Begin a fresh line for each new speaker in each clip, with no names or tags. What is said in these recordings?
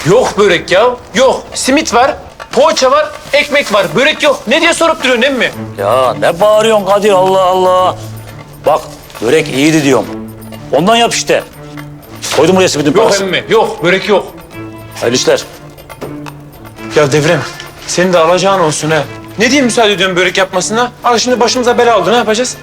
Yok börek ya. Yok. Simit var, poğaça var, ekmek var. Börek yok. Ne diye sorup duruyorsun emmi?
Ya ne bağırıyorsun Kadir, Allah Allah. Bak börek iyiydi diyorum. Ondan yap işte. Koydum buraya simitin
Yok
parası.
emmi. Yok. Börek yok.
Hayırlı işler.
Ya Devrem, senin de alacağın olsun ha. Ne diye müsaade ediyorsun börek yapmasına? Al şimdi başımıza bela oldu. Ne yapacağız?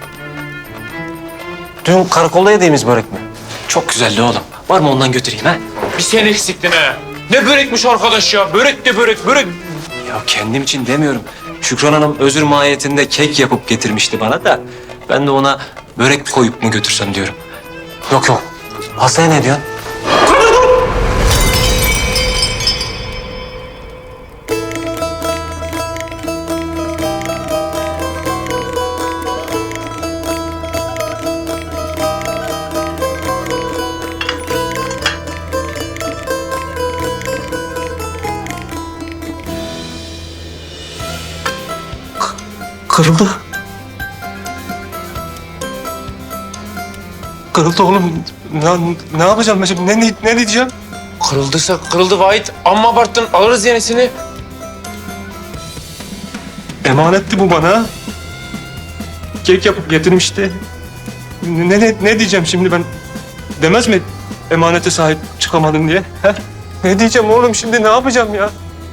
Dün karakolda yediğimiz börek mi? Çok güzeldi oğlum. Var mı ondan götüreyim ha?
Bir sen eksiktin ha. Ne börekmiş arkadaş ya? Börek de börek, börek.
Ya kendim için demiyorum. Şükran Hanım özür mahiyetinde kek yapıp getirmişti bana da. Ben de ona börek koyup mu götürsem diyorum. Yok yok. Hastaya ne diyorsun? Kırıldı. Kırıldı oğlum. Ne yapacağım ben şimdi? Ne diyeceğim?
Kırıldıysa kırıldı Vahit. Amma abarttın. Alırız yenisini.
Emanetti bu bana. Kek yapıp getirmişti. Ne diyeceğim şimdi ben? Demez mi emanete sahip çıkamadın diye? He? Ne diyeceğim oğlum şimdi, ne yapacağım ya?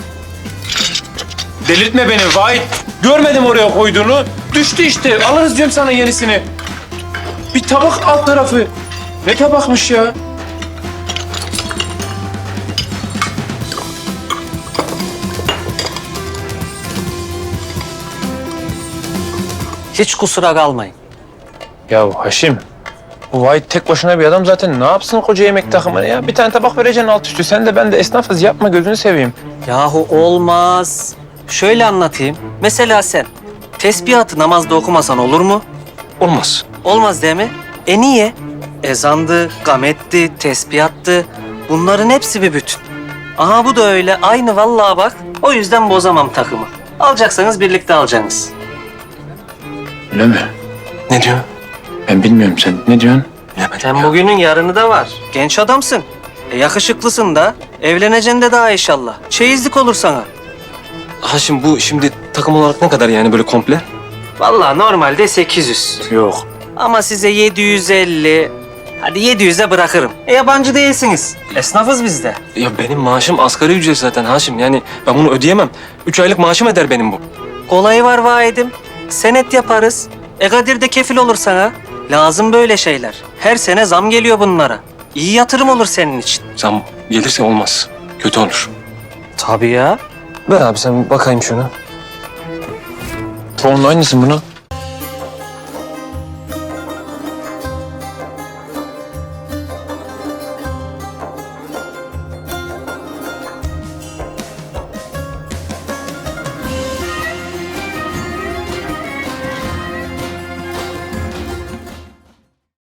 Delirtme beni Vahit. Görmedim oraya koyduğunu. Düştü işte. Alırız diyorum sana yenisini. Bir tabak alt tarafı. Ne tabakmış ya?
Hiç kusura kalmayın.
Ya Haşim, bu Vahit tek başına bir adam zaten. Ne yapsın koca yemek takımını ya? Bir tane tabak vereceksin alt üstü. Sen de ben de esnafız. Yapma gözünü seveyim.
Yahu olmaz. Şöyle anlatayım. Mesela sen tesbihatı namazda okumasan olur mu?
Olmaz.
Olmaz değil mi? Niye? Ezandı, gametti, tesbihattı. Bunların hepsi bir bütün. Aha bu da öyle. Aynı vallahi bak. O yüzden bozamam takımı. Alacaksanız birlikte alacaksınız.
Öyle mi?
Ne diyor?
Ben bilmiyorum, sen ne diyorsun?
Bilemedim
Sen
ya.
bugünün yarını da var. Genç adamsın. Yakışıklısın da. Evleneceksin de daha inşallah. Çeyizlik olur sana.
Haşim bu şimdi takım olarak ne kadar yani böyle komple?
Vallahi normalde 800.
Yok.
Ama size 750, hadi 700'e bırakırım. Yabancı değilsiniz. Esnafız biz de.
Ya benim maaşım asgari ücret zaten Haşim. Yani ben bunu ödeyemem. 3 aylık maaşım eder benim bu.
Kolayı var vahidim. Senet yaparız. Kadir de kefil olur sana. Lazım böyle şeyler. Her sene zam geliyor bunlara. İyi yatırım olur senin için.
Zam gelirse olmaz. Kötü olur.
Tabii ya.
Ver abi sen bakayım şunu.
Tonla aynısın bunu.